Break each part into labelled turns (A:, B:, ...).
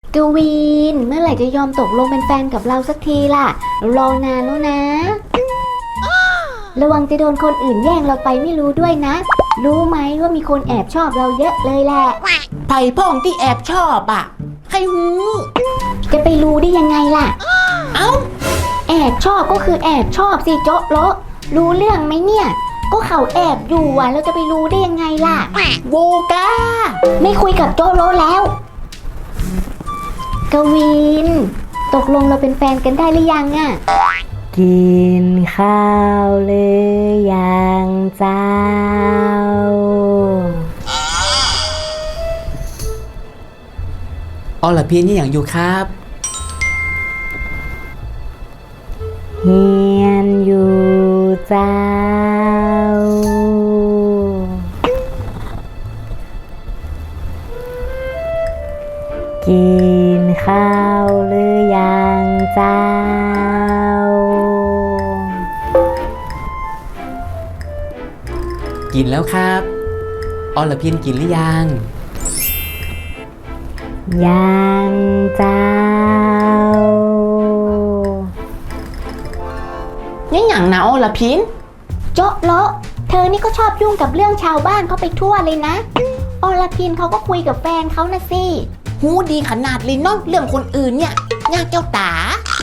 A: กวีนเมื่อไหร่จะยอมตกลงเป็นแฟนกับเราสักทีล่ะรอนานแล้วนะระวังจะโดนคนอื่นแย่งเราไปไม่รู้ด้วยนะรู้ไหมว่ามีคนแอบชอบเราเยอะเลยแหละ
B: ไผ่พ่องที่แอบชอบอ่ะใครหู
A: จะไปรู้ได้ยังไงล่ะ
B: เอ้า
A: แอบชอบก็คือแอบชอบสิโจ๊ะโละรู้เรื่องไหมเนี่ยก็เขาแอบอยู่อ่ะเราจะไปรู้ได้ยังไงล่ะ
B: โวกา
A: ไม่คุยกับโจ๊ะโละแล้วกวินตกลงเราเป็นแฟนกันได้หรือยังอะ
C: กินข้าวหรือยังเจ้า
B: อ๋อเหรอพี่นี่อย่างอยู่ครับ
C: เฮียนอยู่เจ้ากินข้าวหรือยังเจ้า
B: กินแล้วครับอ๋อเหรอพี่กินหรือยัง
C: ยังเจ้า
B: นี่อย่างนะอ๋อเหรอพิน
A: โจ๊ะโละเธอนี่ก็ชอบยุ่งกับเรื่องชาวบ้านเขาไปทั่วเลยนะอรพินเขาก็คุยกับแฟนเขานะสิ
B: หูดีขนาดเลยเนาะเรื่องคนอื่นเนี่ยยากแก้วตา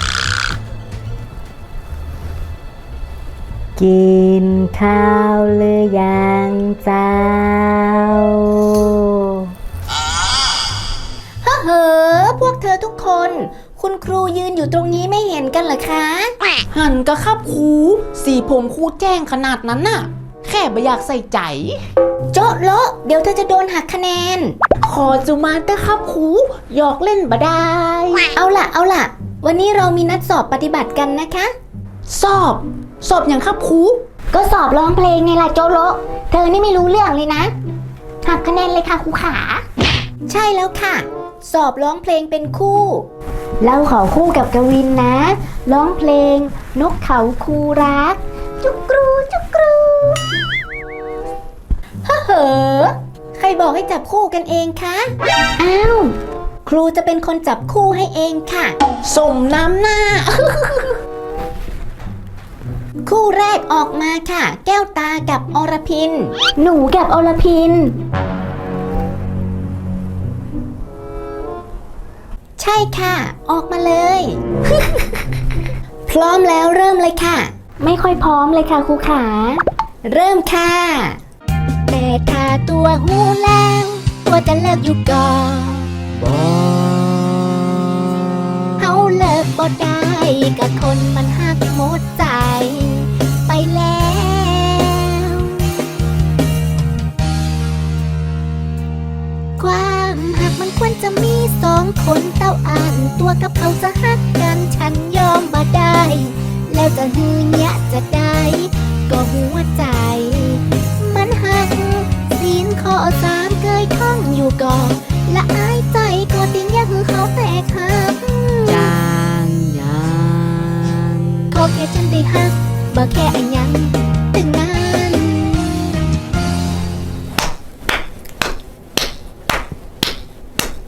C: กินข้าวหรือยังเจ้า
A: เฮ้อพวกเธอทุกคนคุณครูยืนอยู่ตรงนี้ไม่เห็นกันเหรอคะ
B: หันก็ครับครูสีผมครูแจ้งขนาดนั้นน่ะแค่ไม่อยากใส่ใจ
A: โจ๊ะโละเดี๋ยวเธอจะโดนหักคะแนน
B: ขอจุมาเตอร์ครับครูหยอกเล่นบ่ได้
A: เอาล่ะวันนี้เรามีนัดสอบปฏิบัติกันนะคะ
B: สอบอย่างครับครู
A: ก็สอบร้องเพลงไงล่ะโจ๊ะโละเธอนี่ไม่รู้เรื่องเลยนะหักคะแนนเลยค่ะครูขาใช่แล้วค่ะสอบร้องเพลงเป็นคู่เราขอคู่กับกวินนะร้องเพลงนกเขาคูรักจุกรูจุกรูเฮ้อใครบอกให้จับคู่กันเองคะอ้าวครูจะเป็นคนจับคู่ให้เองค่ะ
B: สมน้ำหน้า
A: คู่แรกออกมาค่ะแก้วตากับอรพินหนูกับอรพินใช่ค่ะออกมาเลย พร้อมแล้วเริ่มเลยค่ะไม่ค่อยพร้อมเลยค่ะครูขาเริ่มค่ะแต่ถ้าตัวหูแล้วตัวจะเลิกอยู่ก่อนเฮาเลิกบ่ได้กับคนมันหักหมดใจไปแล้วความหักมันควรจะมีสองคนเต้าอ่านตัวกับเขาจะหักกันฉันยอมบ่ได้แล้วจะฮือเนี้ยจะได้ก็หัวใจมันหักศีลข้อ3เคยท่องอยู่ก่อนละอายใจก็ติงอย่าคือเขาแตกหัก
C: จาง
A: ขอแค่ฉันได้หักบ่แค่อันยัง